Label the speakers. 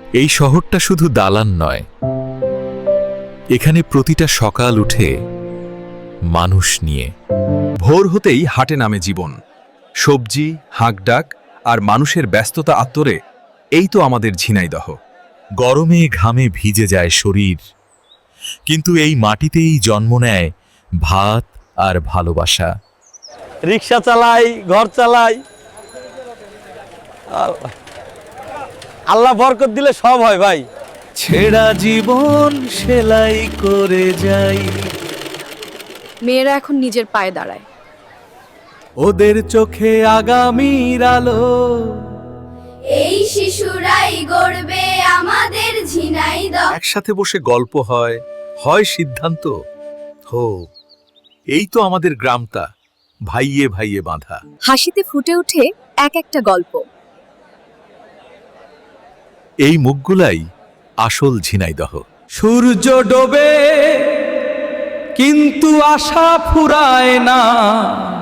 Speaker 1: এই শহরটা শুধু দালান নয়, এখানে প্রতিটা সকাল উঠে মানুষ নিয়ে।
Speaker 2: ভোর হতেই হাটে নামে জীবন, সবজি, হাঁকডাক আর মানুষের ব্যস্ততা আত্মরে। এই তো আমাদের ঝিনাইদহ।
Speaker 1: গরমে ঘামে ভিজে যায় শরীর, কিন্তু এই মাটিতেই জন্ম নেয় ভাত আর ভালোবাসা।
Speaker 3: রিক্সা চালাই, ঘর চালাই, আল্লাহ বরকত দিলে সব হয় ভাই।
Speaker 1: ছেঁড়া জীবন সেলাই করে যাই,
Speaker 4: মেয়েরা এখন নিজের পায়ে দাঁড়ায়।
Speaker 1: ওদের চোখে আগামীর আলো।
Speaker 5: এই শিশুরাই গড়বে আমাদের ঝিনাইদহ।
Speaker 1: একসাথে বসে গল্প হয়, হয় সিদ্ধান্ত। হো, এই তো আমাদের গ্রামটা, ভাইয়ে ভাইয়ে বাঁধা।
Speaker 4: হাসিতে ফুটে ওঠে এক একটা গল্প।
Speaker 1: এই মুখগুলাই আসল ঝিনাইদহ।
Speaker 3: সূর্য ডোবে কিন্তু আশা ফুরায় না।